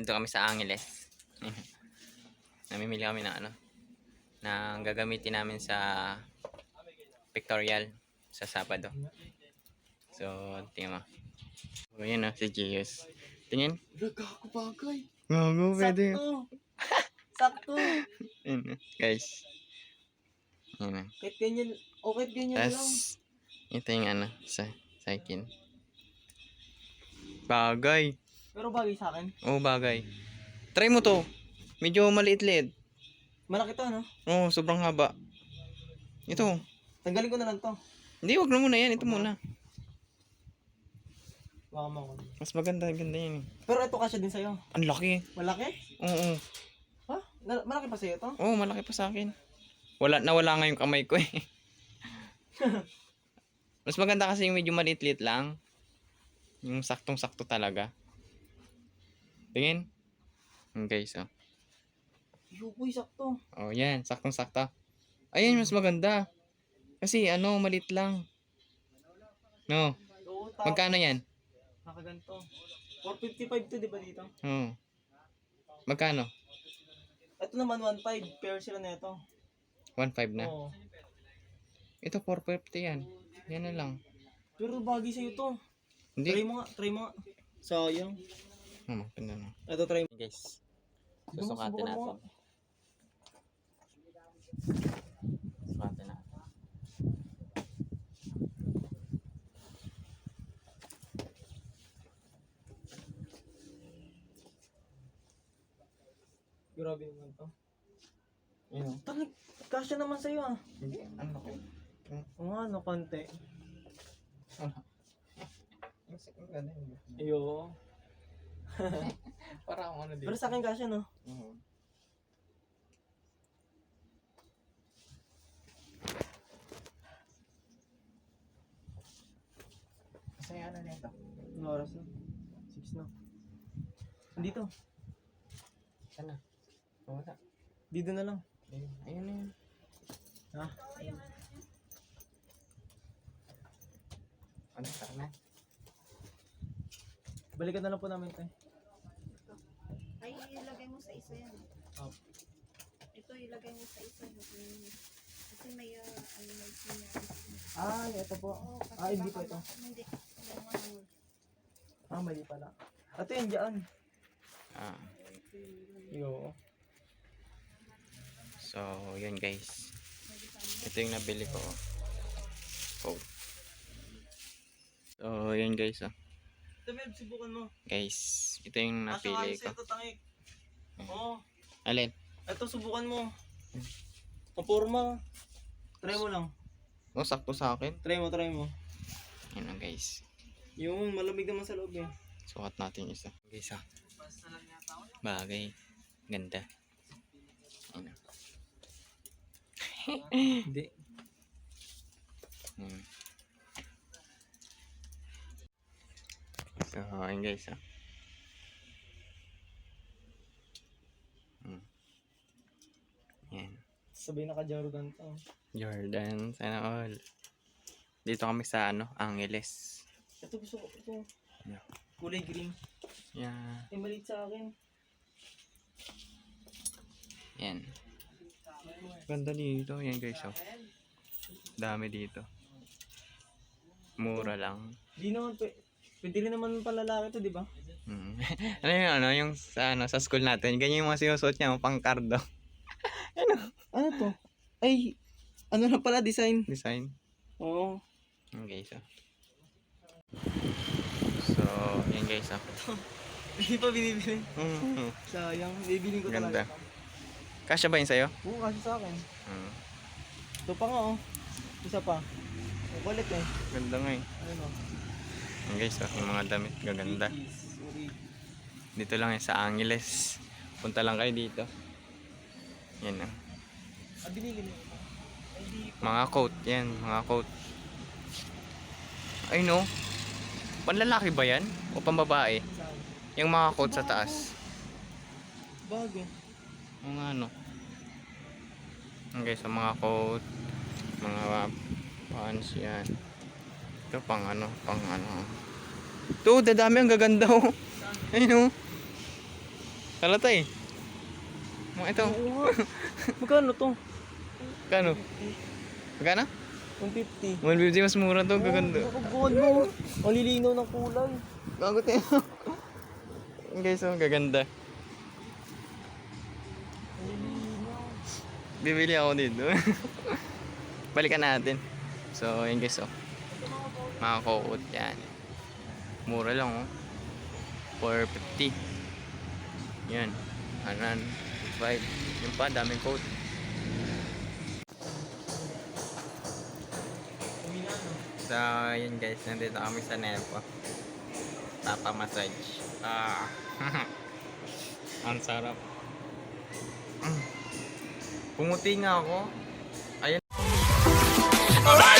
Dito kami sa Angeles. Namimili kami ng ano, na gagamitin namin sa pictorial sa Sabado. So, tingnan mo. O, yun o, si Gius. Tingin. Nagkako bagay. Ngo, pwede. Sakto. Sakto. Yun, guys. Yun. Kahit ganyan, o kahit ganyan lang. Tapos, ito yung ano, sa akin. Bagay. Pero bagay sa akin. Oo, bagay. Try mo to. Medyo maliit-liit. Malaki to, no? Oo, sobrang haba. Ito. Tanggalin ko na lang to. Hindi, wag na muna yan. Ito muna. Baka mo. Mas maganda yan eh. Pero ito kasya din sa'yo. Ang laki. Malaki? Oo. Ha? Malaki pa sa'yo to? Oo, malaki pa sa akin. Nawala nga yung kamay ko eh. Mas maganda kasi yung medyo maliit-liit lang. Yung saktong-sakto talaga. Tingin. Guys, oh. Yuboy, sakto. Oh, yan. Saktong-sakto. Ayan, mas maganda. Kasi ano, maliit lang. No. Oo, Magkano yan? nakaganto. 455 to, di ba dito? Oo. Magkano? Ito naman 1.5. Pair sila na ito. 1.5 na. Oo. Ito 450 yan. Yan na lang. Pero bagay sa'yo to. Hindi. Try mo nga. Sayang. Maganda na. Ito, try mo. Guys. Susukatin natin. Susukatin natin. Grabe naman to. Ayun. Tangik, kasya naman sa'yo ah. Hindi. Ano ko? Oo nga, no, konti. Ang ganda yun. Ayo. Para akong ano dito. Pero sa akin kasya, no? Oo. Kasi ano nito? Ang oras na. 6 na. Dito. Sana. Wala. Dito na lang. Ayun na yun. Ha? Ano? Tara na. Balikan na lang po namin ito. Ay, ilagay mo sa isa yan. Oh. Ito ilagay mo sa isa. Kasi may, may sinabi. Ah, ito po. Kasi Hindi baka pa ito. Hindi. Mali pala. Ito yung dyan. Ah. Yo. So, yun guys. Ito yung nabili ko. Oh. So, yun guys. Oh. Ito, Meb, subukan mo. Guys, ito yung napili ko. Ito, tangik. Oo. Alin? Ito, subukan mo. Paporma. Try mo lang. Oh, sakto sa akin. Try mo. Yun lang guys. Yung malamig naman sa loob eh. Sukat natin isa. Guys, ah. Bagay. Ganda. Ayun. Hindi. Hmm. So, ayun guys, ah. Yan. Sabay naka-Jordan to. Jordan, sana all. Dito kami sa ano, Angeles. Ito gusto ko. Ito. Yeah. Kulay green. Yeah. Eh, maliit sa akin. Yan. Ganda dito. Yan guys, oh. Dami dito. Mura lang. Di naman, pwede rin naman palalaki to, di ba? Hmm. Yung sa, ano, sa school natin, ganyan yung mga sinusuot niya, pang kardo. Ano to? Ay, ano na pala, design. Design. Oo. Yan guys, oh. So, yan guys, oh. Hindi pa binibili. Mm. Sayang, bibiling ko Ganda. talaga. Kasya ba yun sa'yo? Oo, kasi sa akin. Hmm. Ito pa nga, oh. Isa pa. Ang kulit eh. Ganda nga eh. Ano? Yan guys, oh. Yung mga damit, gaganda. Sorry. Dito lang yan sa Angeles. Punta lang kayo dito. Yan, oh. Ah, binili mo. Ay, di. Mga coat, yan, mga coat. Ay no, panlalaki ba yan? O pambabae? Saan? Yung mga coat sa taas. Bago. Mga ano. Okay, sa mga coat, mga pants yan. Ito pang ano. Ito, dadami, ang gaganda oh. Ayun oh. Halata eh. Ito. Oo nga. Magkano to? Kano? Magkano? 150. 150 mas mura to. Gaganda. Nakagod mo. Ang lilinaw ng kulay. Gago tayo. Guys, oh, gaganda. Ang lilinaw. Bibili ako dito. Balikan natin. So, yun guys, oh. Mga coat yan. Mura lang, oh. 450. Yan. Anan. 5. Yung pa, daming coat. So, yun guys. Nandito kami sa Nepo. Papa-massage. Ang sarap. Pumuti nga ako. Ayun.